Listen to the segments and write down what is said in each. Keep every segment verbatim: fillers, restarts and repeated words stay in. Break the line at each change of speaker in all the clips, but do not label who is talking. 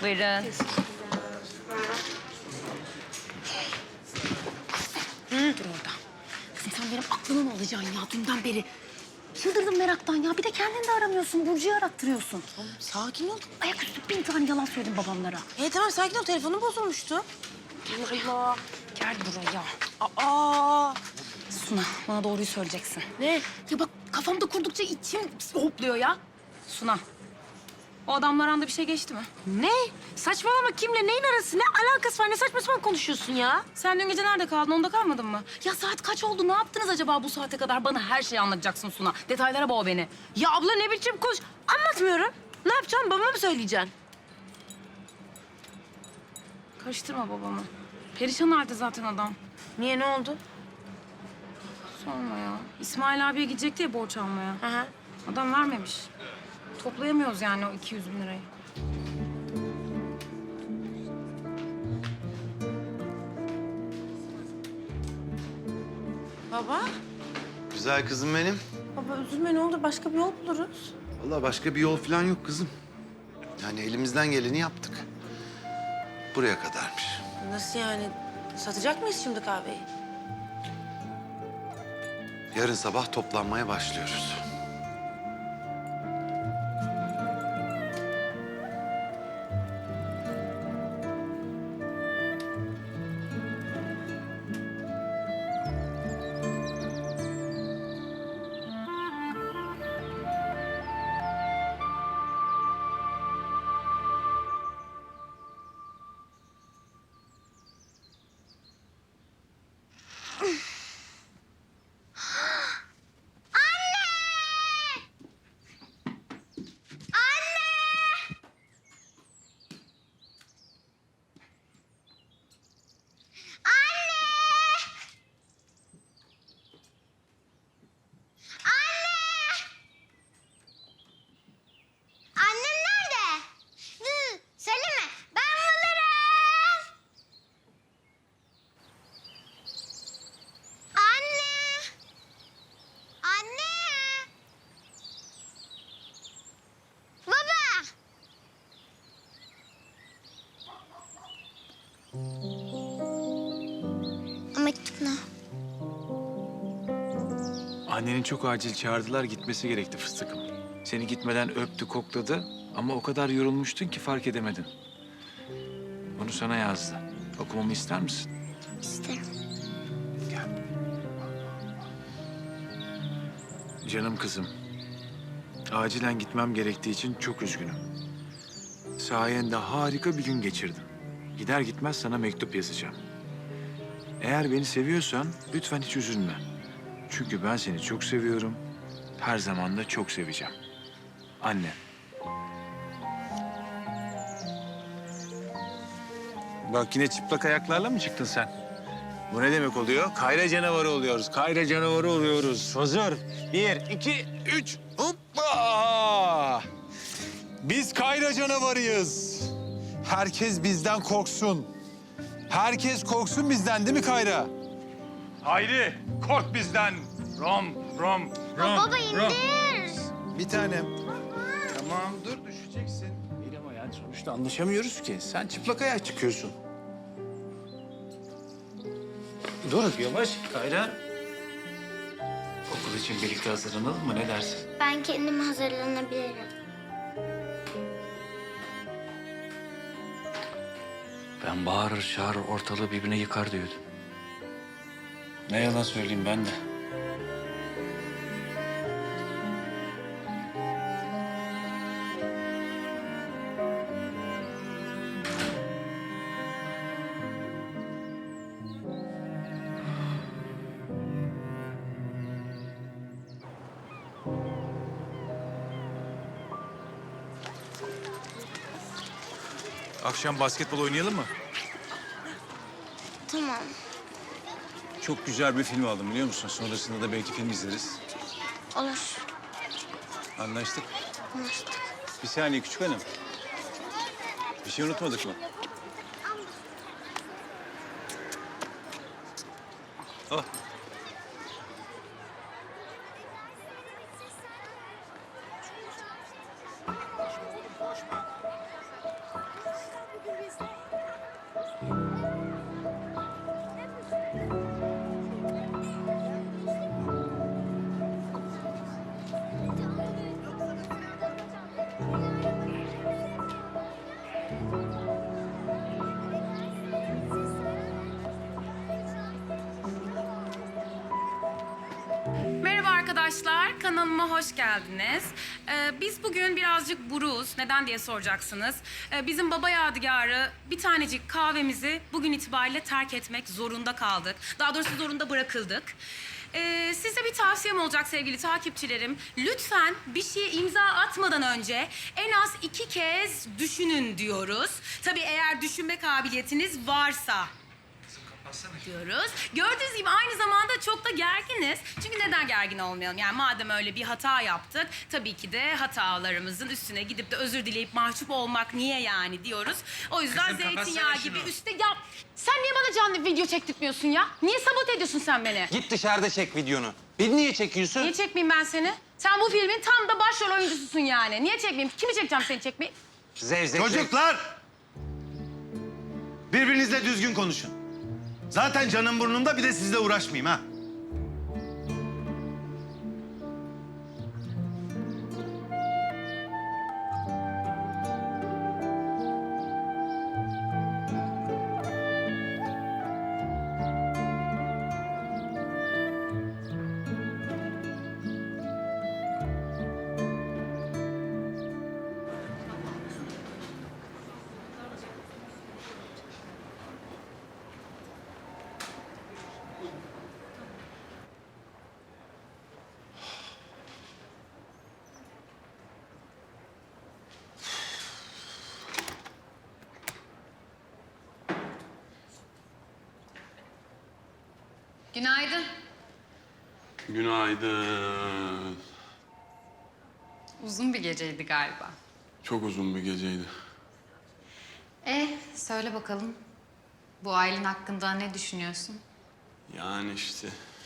Buyurun. Dur orada. Kızım sen benim aklımı mı alacaksın ya dünden beri? Çıldırdım meraktan ya. Bir de kendini de aramıyorsun. Burcu'yu arattırıyorsun.
Tamam, sakin ol.
Ayaküstü bin tane yalan söyledim babamlara.
E tamam sakin ol. Telefonum bozulmuştu.
Allah Allah. Gel buraya.
Aa!
Suna, bana doğruyu söyleyeceksin.
Ne?
Ya bak kafamda kurdukça içim hopluyor ya. Suna, o adamla aranda bir şey geçti mi?
Ne? Saçmalama, kimle neyin arası? Ne alakası var? Ne saçma sapan konuşuyorsun ya?
Sen dün gece nerede kaldın? Onda kalmadın mı? Ya saat kaç oldu? Ne yaptınız acaba bu saate kadar? Bana her şeyi anlatacaksın Suna. Detaylara boğ beni.
Ya abla ne biçim konuş... Anlatmıyorum. Ne yapacağım? Babama mı söyleyeceksin?
Karıştırma babamı. Perişan halde zaten adam.
Niye, ne oldu?
Sorma ya. İsmail abiye gidecekti ya borç almaya.
Hı hı.
Adam vermemiş. Toplayamıyoruz yani o iki yüz bin lirayı.
Baba?
Güzel kızım benim.
Baba üzülme, ne olur başka bir yol buluruz.
Vallahi başka bir yol falan yok kızım. Yani elimizden geleni yaptık. Buraya kadarmış.
Nasıl yani? Satacak mıyız şimdi kahveyi?
Yarın sabah toplanmaya başlıyoruz.
Annem nerede? Hı, söyleme. Ben bulurum. Anne. Anne. Baba. O mektup ne?
Anneni çok acil çağırdılar, gitmesi gerekti fıstıkım. Seni gitmeden öptü, kokladı ama o kadar yorulmuştun ki fark edemedin. Bunu sana yazdı. Okumamı ister misin?
İsterim.
Gel. Canım kızım, acilen gitmem gerektiği için çok üzgünüm. Sayende harika bir gün geçirdim. Gider gitmez sana mektup yazacağım. Eğer beni seviyorsan lütfen hiç üzülme. Çünkü ben seni çok seviyorum. Her zaman da çok seveceğim. Anne. Bak yine çıplak ayaklarla mı çıktın sen? Bu ne demek oluyor? Kayra canavarı oluyoruz. Kayra canavarı oluyoruz. Hazır. Bir, iki, üç. Hoppa! Biz Kayra canavarıyız. Herkes bizden korksun. Herkes korksun bizden değil mi Kayra? Haydi kork bizden. Rom, rom, rom.
Baba indir.
Bir tanem. Tamam dur düşeceksin. İyi ama yani sonuçta anlaşamıyoruz ki. Sen çıplak ayak çıkıyorsun. Dur yavaş Kayra. Okul için birlikte hazırlanalım mı, ne dersin?
Ben kendim hazırlanabilirim.
Ben bağırır çağırır ortalığı birbirine yıkar diyordum.
Ne yalan söyleyeyim ben de. Akşam basketbol oynayalım mı?
Tamam.
Çok güzel bir film aldım biliyor musun? Sonrasında da belki film izleriz.
Olur.
Anlaştık.
Anlaştık.
Bir saniye küçük hanım. Bir şey unutmadık mı? Oh.
arkadaşlar, kanalıma hoş geldiniz. Ee, biz bugün birazcık buruz. Neden diye soracaksınız. Ee, bizim baba yadigarı bir tanecik kahvemizi bugün itibariyle terk etmek zorunda kaldık. Daha doğrusu zorunda bırakıldık. Ee, size bir tavsiyem olacak sevgili takipçilerim. Lütfen bir şeye imza atmadan önce en az iki kez düşünün diyoruz. Tabii eğer düşünme kabiliyetiniz varsa diyoruz. Gördüğünüz gibi aynı zamanda çok da gerginiz. Çünkü neden gergin olmayalım? Yani madem öyle bir hata yaptık, tabii ki de hatalarımızın üstüne gidip de özür dileyip mahcup olmak niye yani diyoruz. O yüzden zeytinyağı gibi üstte... Ya
Sen niye bana canlı video çektirtmiyorsun ya? Niye sabote ediyorsun sen beni?
Git dışarıda çek videonu. Beni niye çekiyorsun?
Niye çekmeyeyim ben seni? Sen bu filmin tam da başrol oyuncususun yani. Niye çekmeyeyim? Kimi çekeceğim seni çekmeyi?
Zevzek.
Çocuklar! Birbirinizle düzgün konuşun. Zaten canım burnumda, bir de sizle uğraşmayayım ha.
Günaydın.
Günaydın.
Uzun bir geceydi galiba.
Çok uzun bir geceydi.
E, söyle bakalım. Bu ailen hakkında ne düşünüyorsun?
Yani işte...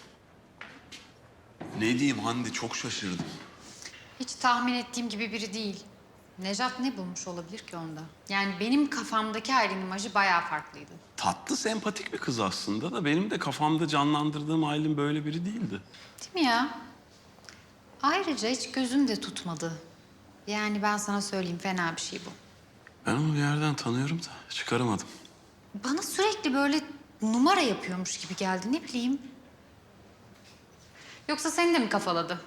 Ne diyeyim Hande, çok şaşırdım.
Hiç tahmin ettiğim gibi biri değil. Nejat ne bulmuş olabilir ki onda? Yani benim kafamdaki ailen imajı bayağı farklıydı.
Tatlı, sempatik bir kız aslında da benim de kafamda canlandırdığım Aylin böyle biri değildi.
Değil mi ya? Ayrıca hiç gözüm de tutmadı. Yani ben sana söyleyeyim, fena bir şey bu.
Ben onu bir yerden tanıyorum da çıkaramadım.
Bana sürekli böyle numara yapıyormuş gibi geldi, ne bileyim. Yoksa seni de mi kafaladı?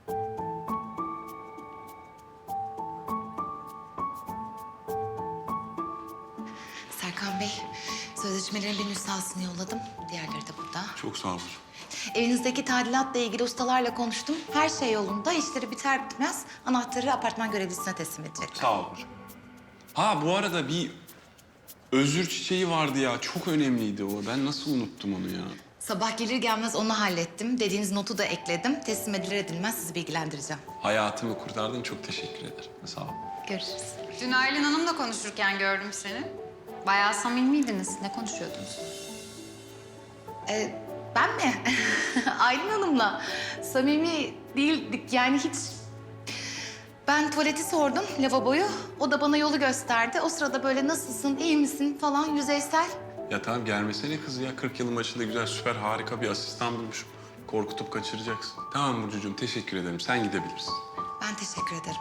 Serkan Bey, sözleşmelerin bir nüshasını yolladım. Diğerleri de burada.
Çok sağ olun.
Evinizdeki tadilatla ilgili ustalarla konuştum. Her şey yolunda. İşleri biter bitmez anahtarı apartman görevlisine teslim edecekler.
Sağ ol hocam. Ha bu arada bir özür çiçeği vardı ya. Çok önemliydi o. Ben nasıl unuttum onu ya?
Sabah gelir gelmez onu hallettim. Dediğiniz notu da ekledim. Teslim edilir edilmez sizi bilgilendireceğim.
Hayatımı kurtardın. Çok teşekkür ederim. Sağ ol.
Görüşürüz.
Dün Aylin Hanım'la konuşurken gördüm seni. Bayağı samimiydiniz. Ne konuşuyordunuz?
Ee, ben mi? Aylin Hanım'la samimi değildik yani hiç. Ben tuvaleti sordum, lavaboyu. O da bana yolu gösterdi. O sırada böyle nasılsın, iyi misin falan yüzeysel.
Ya tamam gelmesene kız ya. kırk yılın başında güzel, süper, harika bir asistan bulmuş. Korkutup kaçıracaksın. Tamam Burcucuğum, teşekkür ederim. Sen gidebilirsin.
Ben teşekkür ederim.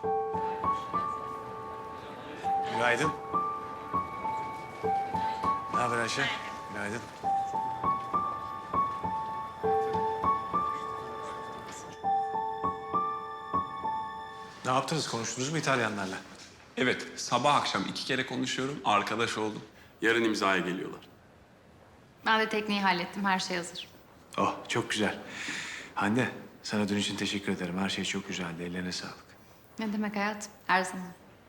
Günaydın. Ne haber Ayşe? Günaydın. Ne yaptınız? Konuştunuz mu İtalyanlarla?
Evet, sabah akşam iki kere konuşuyorum. Arkadaş oldum. Yarın imzaya geliyorlar.
Ben de tekniği hallettim. Her şey hazır.
Oh, çok güzel. Hande, sana dün için teşekkür ederim. Her şey çok güzeldi. Ellerine sağlık.
Ne demek hayat? Her zaman.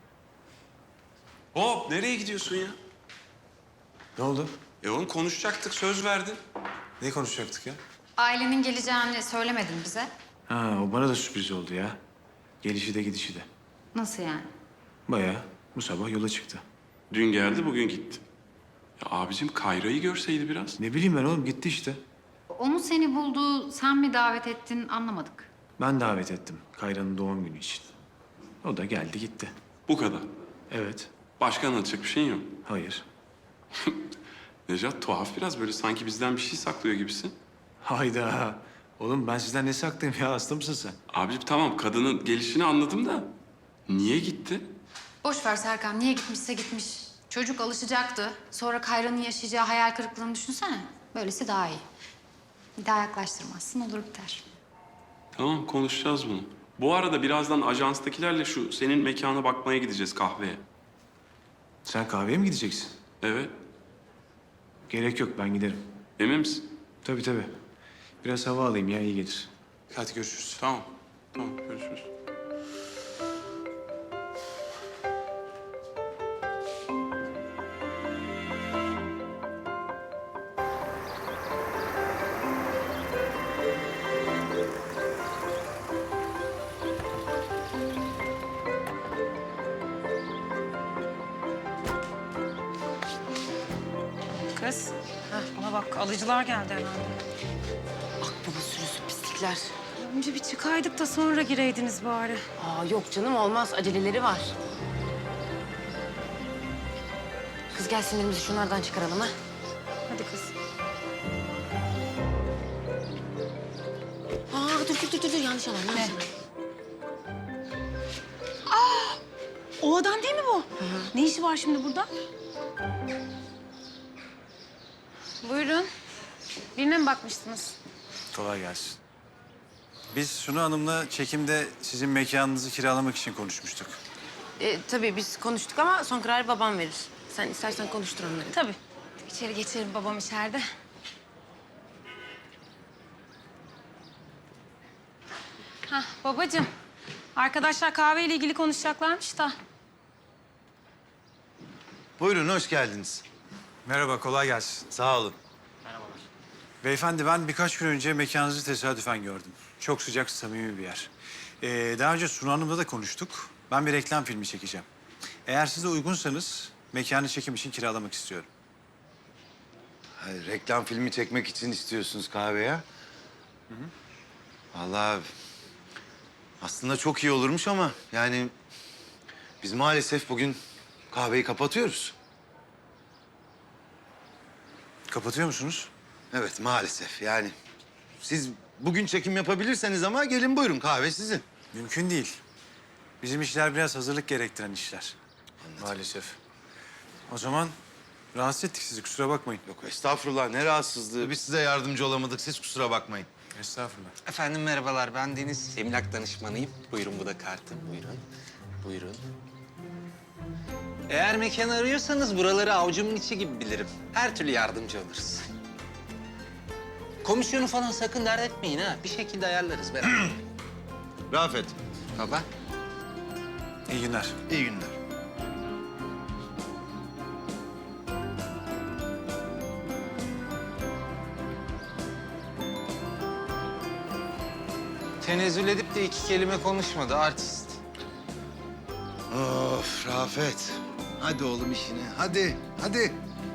Hop, nereye gidiyorsun ya?
Ne oldu?
E oğlum konuşacaktık, söz verdin.
Ne konuşacaktık ya?
Ailenin geleceğini söylemedin bize.
Ha, o bana da sürpriz oldu ya. Gelişi de gidişi de.
Nasıl yani?
Bayağı bu sabah yola çıktı.
Dün geldi, bugün gitti. Ya abicim Kayra'yı görseydi biraz.
Ne bileyim ben oğlum, gitti işte.
O mu seni buldu, sen mi davet ettin anlamadık.
Ben davet ettim Kayra'nın doğum günü için. O da geldi gitti.
Bu kadar.
Evet,
Başka anlatacak bir şeyin yok.
hayır.
Nejat tuhaf biraz, böyle sanki bizden bir şey saklıyor gibisin.
Hayda. Oğlum ben sizden ne saklayayım ya? Hasta mısın sen?
Abicim tamam, kadının gelişini anladım da niye gitti?
Boş ver Serkan, niye gitmişse gitmiş. Çocuk alışacaktı. Sonra Kayra'nın yaşayacağı hayal kırıklığını düşünsene. Böylesi daha iyi. Bir daha yaklaştırmazsın, olur biter.
Tamam, konuşacağız bunu. Bu arada birazdan ajanstakilerle şu senin mekana bakmaya gideceğiz kahveye.
Sen kahveye mi gideceksin?
Evet.
Gerek yok, ben giderim.
Emin misin?
Tabii tabii. Biraz hava alayım ya, iyi gelir. Hadi görüşürüz.
Tamam. Tamam, görüşürüz.
Kız, heh, bana bak alıcılar geldi herhalde.
Akbaba sürüsü pislikler.
Önce bir çıkaydık da sonra gireydiniz bari.
Aa yok canım olmaz. Aceleleri var. Kız gel sinirimizi şunlardan çıkaralım ha.
Hadi kız.
Aa dur dur dur dur, dur. yanlış alan yanlış alan.
O adam değil mi bu? Ne işi var şimdi burada? Buyurun. Birine mi bakmıştınız?
Kolay gelsin. Biz Sunu Hanım'la çekimde sizin mekanınızı kiralamak için konuşmuştuk.
Ee, tabii biz konuştuk ama son kararı babam verir. Sen istersen konuştur onları.
Tabii. İçeri geçelim, babam içeride. Hah babacığım. Arkadaşlar kahveyle ilgili konuşacaklarmış da.
Buyurun, hoş geldiniz.
Merhaba, kolay gelsin.
Sağ olun.
Beyefendi, ben birkaç gün önce mekanınızı tesadüfen gördüm. Çok sıcak, samimi bir yer. Ee, daha önce Sunu Hanım'la da konuştuk. Ben bir reklam filmi çekeceğim. Eğer siz de uygunsanız mekanı çekim için kiralamak istiyorum.
Hayır, reklam filmi çekmek için istiyorsunuz kahveye. Hı hı. Vallahi aslında çok iyi olurmuş ama yani biz maalesef bugün kahveyi kapatıyoruz.
Kapatıyor musunuz?
Evet, maalesef yani. Siz bugün çekim yapabilirseniz ama gelin buyurun, kahve sizin.
Mümkün değil. Bizim işler biraz hazırlık gerektiren işler.
Anladım.
Maalesef. O zaman rahatsız ettik sizi, kusura bakmayın.
Yok estağfurullah, ne rahatsızlığı. Biz size yardımcı olamadık, siz kusura bakmayın.
Estağfurullah.
Efendim merhabalar, ben Deniz. Emlak danışmanıyım. Buyurun, bu da kartım. Buyurun. Buyurun. Eğer mekan arıyorsanız buraları avucumun içi gibi bilirim. Her türlü yardımcı oluruz. Komisyonu falan sakın dert etmeyin ha. Bir şekilde ayarlarız beraber.
Rafet,
Baba.
İyi günler.
iyi günler.
Tenezzül edip de iki kelime konuşmadı artist.
Of Rafet. Hadi oğlum işine, hadi, hadi.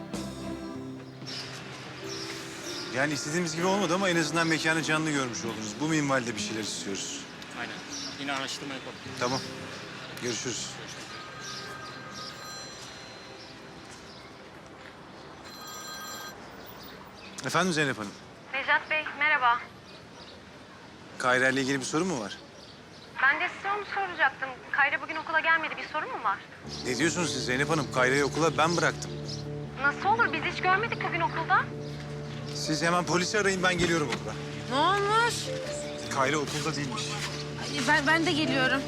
Yani istediğimiz gibi olmadı ama en azından mekanı canlı görmüş oldunuz. Bu minvalde bir şeyler istiyoruz.
Aynen. Yine araştırma yapalım.
Tamam. Görüşürüz. Efendim Zeynep Hanım.
Necat Bey, merhaba.
Kayra ile ilgili bir sorun mu var?
Ben de size onu soracaktım. Kayra bugün okula gelmedi. Bir sorun mu var?
Ne diyorsunuz siz Zeynep Hanım? Kayra'yı okula ben bıraktım.
Nasıl olur? Biz hiç görmedik bugün okulda.
Siz hemen polisi arayın, ben geliyorum okula.
Ne olmuş?
Kayra okulda değilmiş.
Ay, Ben, ben de geliyorum.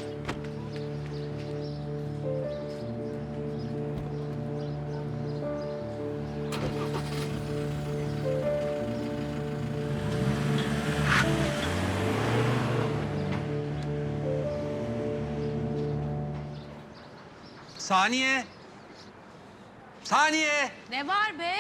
Saniye. Saniye.
Ne var be?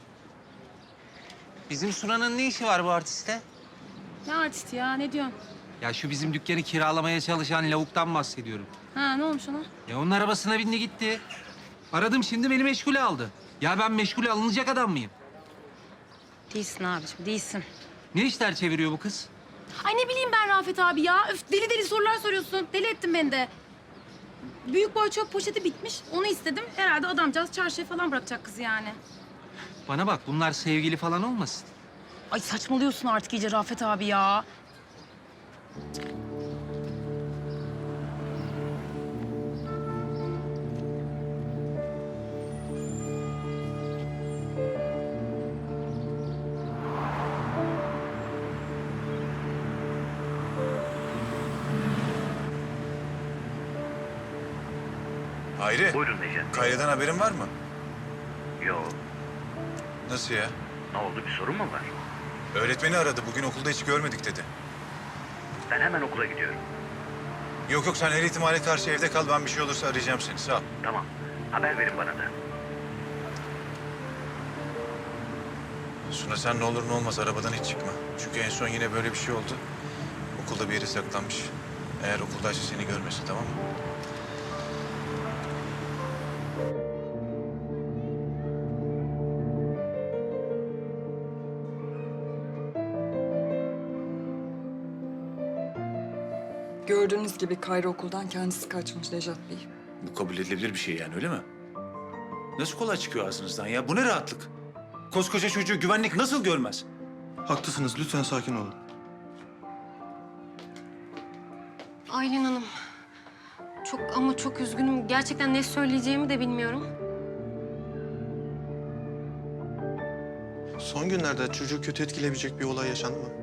Bizim Sunan'ın ne işi var bu artiste?
Ne artisti ya? Ne diyorsun?
Ya şu bizim dükkanı kiralamaya çalışan lavuktan bahsediyorum.
Ha ne olmuş ona?
Ya onun arabasına bindi gitti. Aradım şimdi beni meşgule aldı. Ya ben meşgule alınacak adam mıyım?
Değilsin abiciğim, değilsin.
Ne işler çeviriyor bu kız?
Ay ne bileyim ben Rafet abi ya. Öf, deli deli sorular soruyorsun. Deli ettin beni de. Büyük boy çöp poşeti bitmiş. Onu istedim. Herhalde adamcağız çarşıya falan bırakacak kızı yani.
Bana bak bunlar sevgili falan olmasın.
Ay saçmalıyorsun artık iyice Rafet abi ya.
Hayri.
Buyurun Necati.
Kayra'dan haberin var mı?
Yok.
Nasıl ya?
Ne oldu, bir sorun mu var?
Öğretmeni aradı. Bugün okulda hiç görmedik dedi.
Ben hemen okula gidiyorum.
Yok yok sen her ihtimale karşı evde kal. Ben bir şey olursa arayacağım seni. Sağ ol.
Tamam. Haber verin bana da.
Suna sen ne olur ne olmaz arabadan hiç çıkma. Çünkü en son yine böyle bir şey oldu. Okulda bir yere saklanmış. Eğer okuldaysa seni görmesin, tamam mı?
Gördüğünüz gibi Kayra okuldan kendisi kaçmış Nejat Bey.
Bu kabul edilebilir bir şey yani, öyle mi? Nasıl kolay çıkıyor ağzınızdan ya? Bu ne rahatlık? Koskoca çocuğu güvenlik nasıl görmez?
Haklısınız. Lütfen sakin olun.
Aylin Hanım. Çok ama çok üzgünüm. Gerçekten ne söyleyeceğimi de bilmiyorum.
Son günlerde çocuğu kötü etkileyebilecek bir olay yaşandı mı?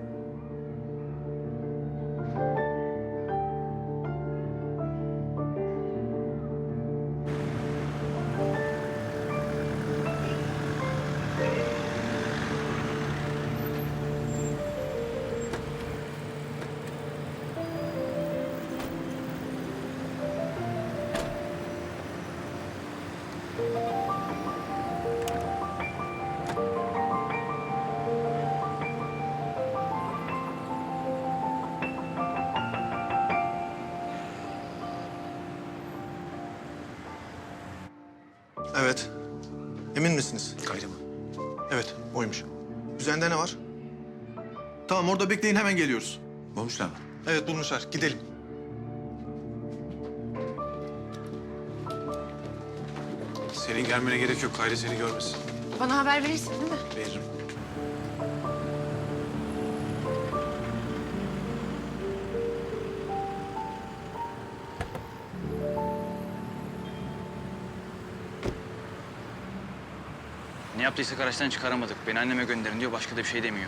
Evet. Emin misiniz?
Kayra mı?
Evet, oymuş. Üzerinde ne var? Tamam, orada bekleyin. Hemen geliyoruz.
Bulmuşlar mı?
Evet, bulmuşlar. Gidelim.
Senin gelmene gerek yok. Kayra seni görmesin.
Bana haber verirsin değil mi?
Veririm.
Ne yaptıysa araçtan çıkaramadık. Beni anneme gönderin diyor, başka da bir şey demiyor.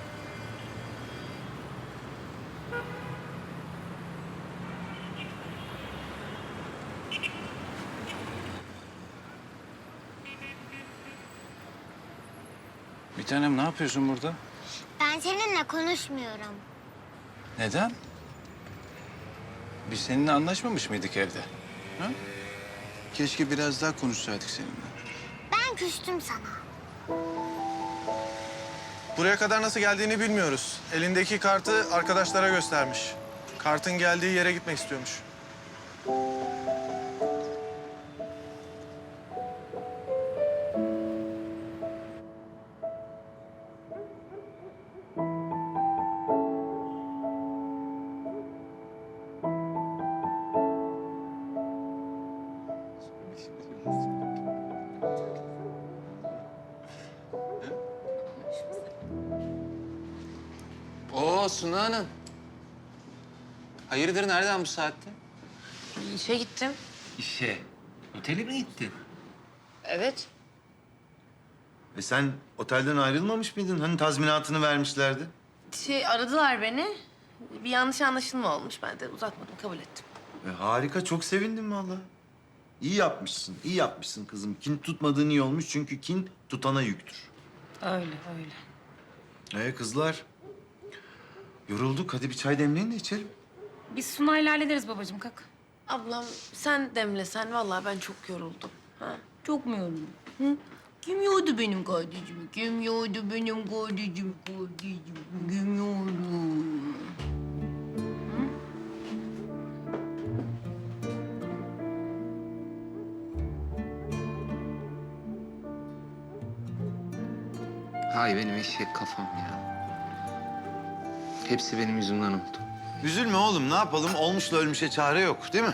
Bir tanem ne yapıyorsun burada?
Ben seninle konuşmuyorum.
Neden? Biz seninle anlaşmamış mıydık evde? Ha? Keşke biraz daha konuşsaydık seninle.
Ben küstüm sana.
Buraya kadar nasıl geldiğini bilmiyoruz. Elindeki kartı arkadaşlara göstermiş. Kartın geldiği yere gitmek istiyormuş.
Oo Suna Hanım. Hayırdır, nereden bu saatte?
İşe gittim.
İşe. Otele mi gittin?
Evet.
E sen otelden ayrılmamış mıydın? Hani tazminatını vermişlerdi.
Şey aradılar beni. Bir yanlış anlaşılma olmuş. Ben de uzatmadım, kabul ettim.
E harika, çok sevindim vallahi. İyi yapmışsın, iyi yapmışsın kızım. Kin tutmadığın iyi olmuş çünkü kin tutana yüktür.
Öyle, öyle.
E kızlar, yorulduk. Hadi bir çay demleyin de içelim.
Biz Sunay'la hallederiz babacığım, kalk.
Ablam sen demlesen vallahi ben çok yoruldum. Ha? Çok mu yoruldun? Hı? Kim yordu benim kardeşimi? Kim yordu benim kardeşim, kardeşim? Kim yordu?
Hay benim eşek kafam ya. Hepsi benim yüzümden oldu.
Üzülme oğlum, ne yapalım? Olmuşla ölmüşe çare yok, değil mi?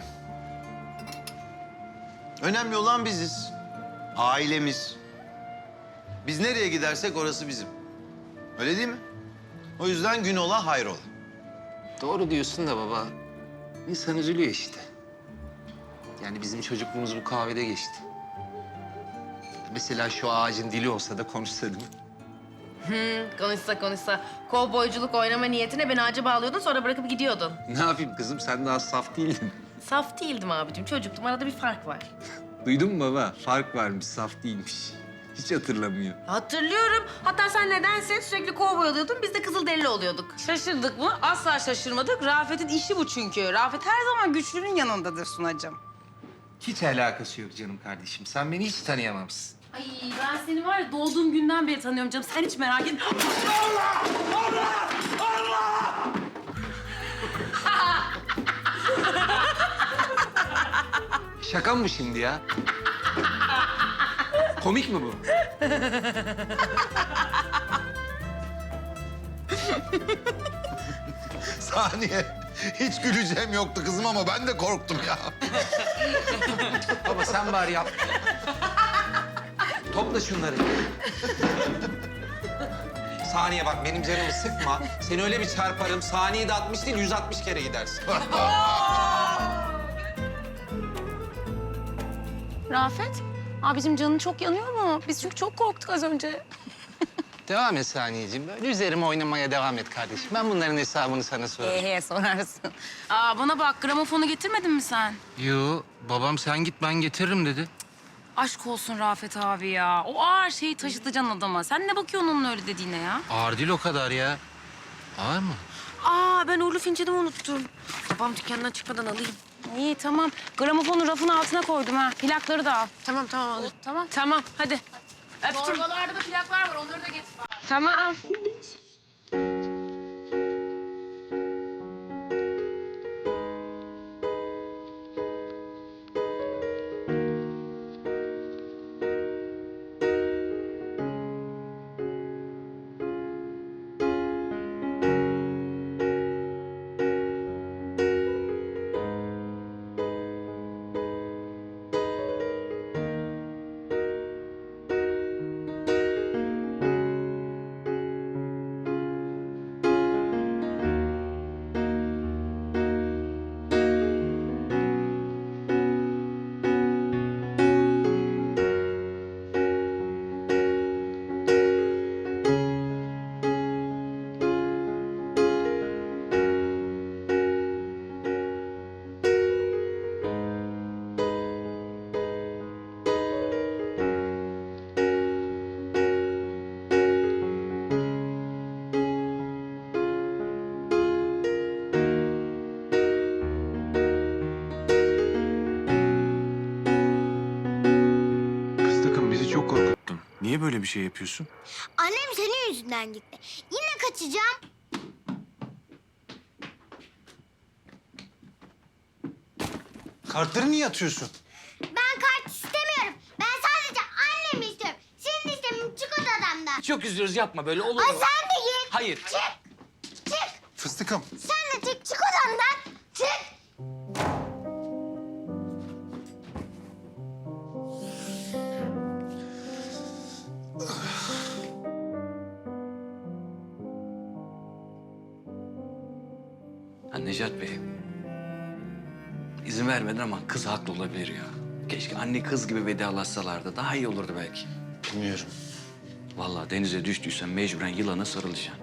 Önemli olan biziz. Ailemiz. Biz nereye gidersek orası bizim. Öyle değil mi? O yüzden gün ola hayrola.
Doğru diyorsun da baba. İnsan üzülüyor işte. Yani bizim çocukluğumuz bu kahvede geçti. Mesela şu ağacın dili olsa da konuşsa değil mi?
Hı, konuşsa konuşsa. Kovboyculuk oynama niyetine beni ağaca bağlıyordun, sonra bırakıp gidiyordun.
Ne yapayım kızım, sen daha saf değildin.
Saf değildim abicim. Çocuktum. Arada bir fark var.
Duydun mu baba? Fark varmış, saf değilmiş. Hiç hatırlamıyor.
Hatırlıyorum. Hatta sen nedense sürekli kovboy oluyordun. Biz de Kızılderili oluyorduk.
Şaşırdık mı? Asla şaşırmadık. Rafet'in işi bu çünkü. Rafet her zaman güçlünün yanındadır Sunacığım.
Hiç alakası yok canım kardeşim. Sen beni hiç tanıyamamışsın.
Ay ben seni var ya doğduğum günden beri tanıyorum canım. Sen hiç merak etme. Allah! Allah! Allah!
Şaka mı bu şimdi ya? Komik mi bu?
Saniye. Hiç güleceğim yoktu kızım ama ben de korktum ya.
Baba sen bari yap. Topla şunları. Saniye bak benim canımı sıkma. Seni öyle bir çarparım. Saniyede altmış değil yüz altmış kere gidersin.
Rafet, abicim canın çok yanıyor mu? Biz çünkü çok korktuk az önce.
Devam et Saniyeciğim. Böyle üzerime oynamaya devam et kardeşim. Ben bunların hesabını sana sorarım.
Ee, sorarsın.
Aa bana bak gramofonu getirmedin mi sen?
Yo, babam sen git ben getiririm dedi.
Aşk olsun Rafet abi ya. O ağır şeyi taşıtacaksın adama. Sen ne bakıyorsun onun öyle dediğine ya?
Ağır değil o kadar ya. Ağır mı?
Aa ben uğurlu fincanımı unuttum. Babam dükkandan çıkmadan alayım. İyi tamam. Gramofonu rafın altına koydum ha. Plakları da al. Tamam tamam alırım. Tamam. Tamam hadi. Öptüm.
Torbalarda da plaklar var, onları da getir.
Tamam.
Fıstıkım bizi çok korkuttun. Niye böyle bir şey yapıyorsun?
Annem senin yüzünden gitti. Yine kaçacağım.
Kartları niye atıyorsun?
Ben kart istemiyorum. Ben sadece annemi istiyorum. Senin istemin çık odamdan.
Çok üzülürüz yapma böyle olur
Ay
mu?
sen de git.
Hayır.
Çık. Çık.
Fıstıkım.
Sen de çık. Çık odamdan. Çık.
Ha, Necat Bey. İzin vermedin ama kız haklı olabilir ya. Keşke anne kız gibi vedalaşsalardı. Daha iyi olurdu belki.
Bilmiyorum.
Vallahi denize düştüysen mecburen yılana sarılacaksın.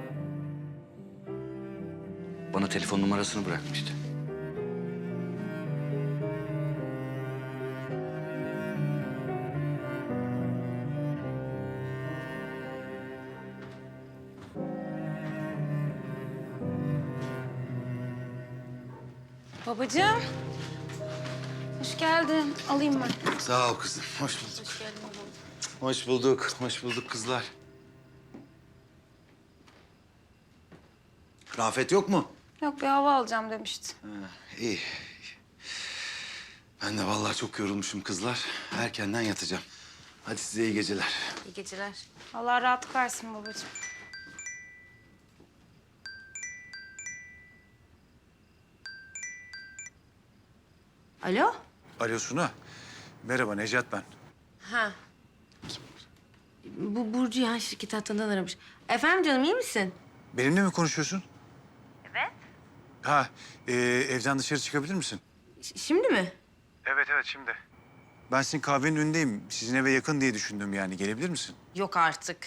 Bana telefon numarasını bırakmıştı.
Babacığım. Hoş geldin. Alayım ben.
Sağ ol kızım. Hoş bulduk. Hoş bulduk. Hoş bulduk kızlar. Rafet yok mu?
Yok bir hava alacağım demişti.
İyi. Ben de vallahi çok yorulmuşum kızlar. Erkenden yatacağım. Hadi size iyi geceler.
İyi geceler. Allah rahatlık versin babacığım. Alo?
Alo Suna. Merhaba Necat ben.
Ha. Bu Burcu ya şirket hattından aramış. Efendim canım iyi misin?
Benimle mi konuşuyorsun? Evet. Ha, e, evden dışarı çıkabilir misin?
Ş- şimdi mi?
Evet, evet şimdi. Ben sizin kahvenin önündeyim. Sizin eve yakın diye düşündüm yani. Gelebilir misin?
Yok artık.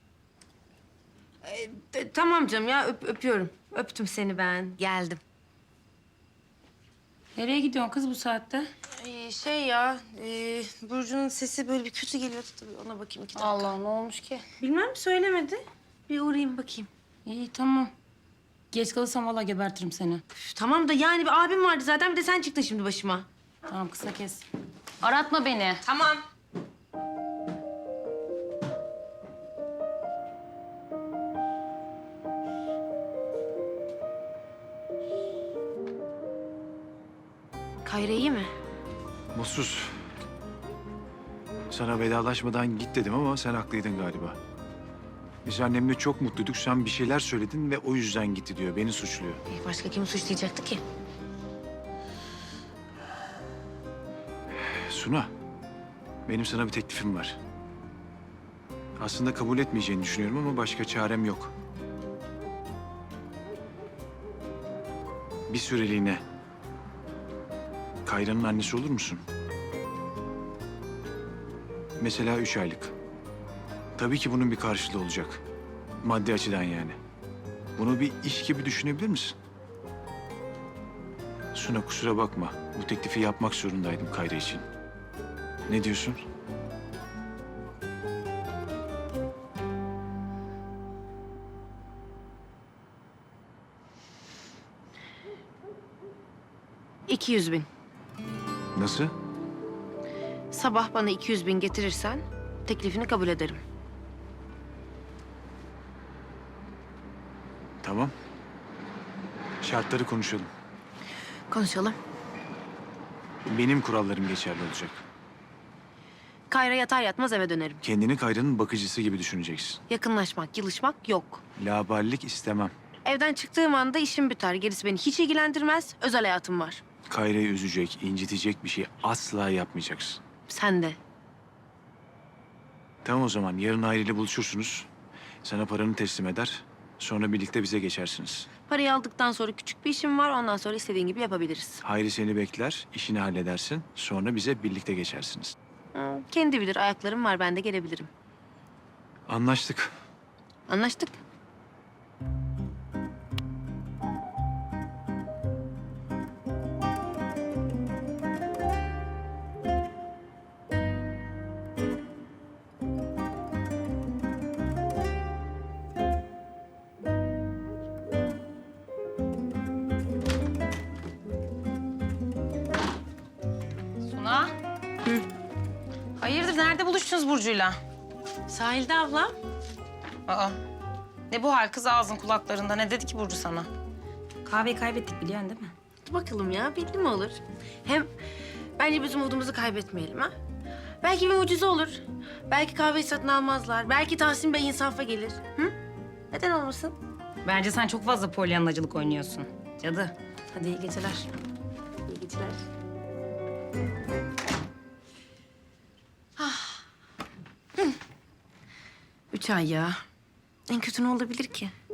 Ee, t- tamam canım ya öp- öpüyorum. Öptüm seni ben. Geldim.
Nereye gidiyorsun kız bu saatte?
Ee, şey ya, e, Burcu'nun sesi böyle bir kötü geliyordu tabii. Ona bakayım iki dakika.
Allah ne olmuş ki?
Bilmem söylemedi. Bir uğrayayım bakayım.
İyi tamam. Geç kalırsam vallahi gebertirim seni.
Üf, tamam da yani bir abim vardı zaten bir de sen çıktın şimdi başıma.
Tamam kısa kes. Aratma beni.
Tamam. Kayra iyi mi?
Mutsuz. Sana vedalaşmadan git dedim ama sen haklıydın galiba. Biz annemle çok mutluyduk. Sen bir şeyler söyledin ve o yüzden gitti diyor. Beni suçluyor.
Ee, başka kimi suçlayacaktı ki?
Suna, benim sana bir teklifim var. Aslında kabul etmeyeceğini düşünüyorum ama başka çarem yok. Bir süreliğine Kayra'nın annesi olur musun? Mesela üç aylık. Tabii ki bunun bir karşılığı olacak. Maddi açıdan yani. Bunu bir iş gibi düşünebilir misin? Suna kusura bakma. Bu teklifi yapmak zorundaydım Kayra için. Ne diyorsun?
İki yüz bin.
Nasıl?
Sabah bana iki yüz bin getirirsen teklifini kabul ederim.
Tamam. Şartları konuşalım.
Konuşalım.
Benim kurallarım geçerli olacak.
Kayra yatar yatmaz eve dönerim.
Kendini Kayra'nın bakıcısı gibi düşüneceksin.
Yakınlaşmak, yılışmak yok.
Laballik istemem.
Evden çıktığım anda işim biter. Gerisi beni hiç ilgilendirmez. Özel hayatım var.
Kayra'yı üzecek, incitecek bir şey asla yapmayacaksın.
Sen de.
Tamam o zaman yarın Hayri ile buluşursunuz. Sana paranı teslim eder. Sonra birlikte bize geçersiniz.
Parayı aldıktan sonra küçük bir işim var. Ondan sonra istediğin gibi yapabiliriz.
Hayri seni bekler, işini halledersin. Sonra bize birlikte geçersiniz.
Hı, kendi bilir. Ayaklarım var. Ben de gelebilirim.
Anlaştık.
Anlaştık.
Suna. Hayırdır nerede buluştunuz Burcu'yla?
Sahilde abla.
Aa. Ne bu hal kız ağzın kulaklarında? Ne dedi ki Burcu sana? Kahveyi kaybettik biliyorsun değil mi?
Dur bakalım ya. Belli mi olur? Hem bence biz umudumuzu kaybetmeyelim ha. Belki bir mucize olur. Belki kahveyi satın almazlar. Belki Tahsin Bey insafa gelir. Hı? Neden olmasın?
Bence sen çok fazla polyanlacılık oynuyorsun. Cadı.
Hadi iyi geceler. İyi geceler. Ah. Hı. Üç ay ya. En kötü ne olabilir ki?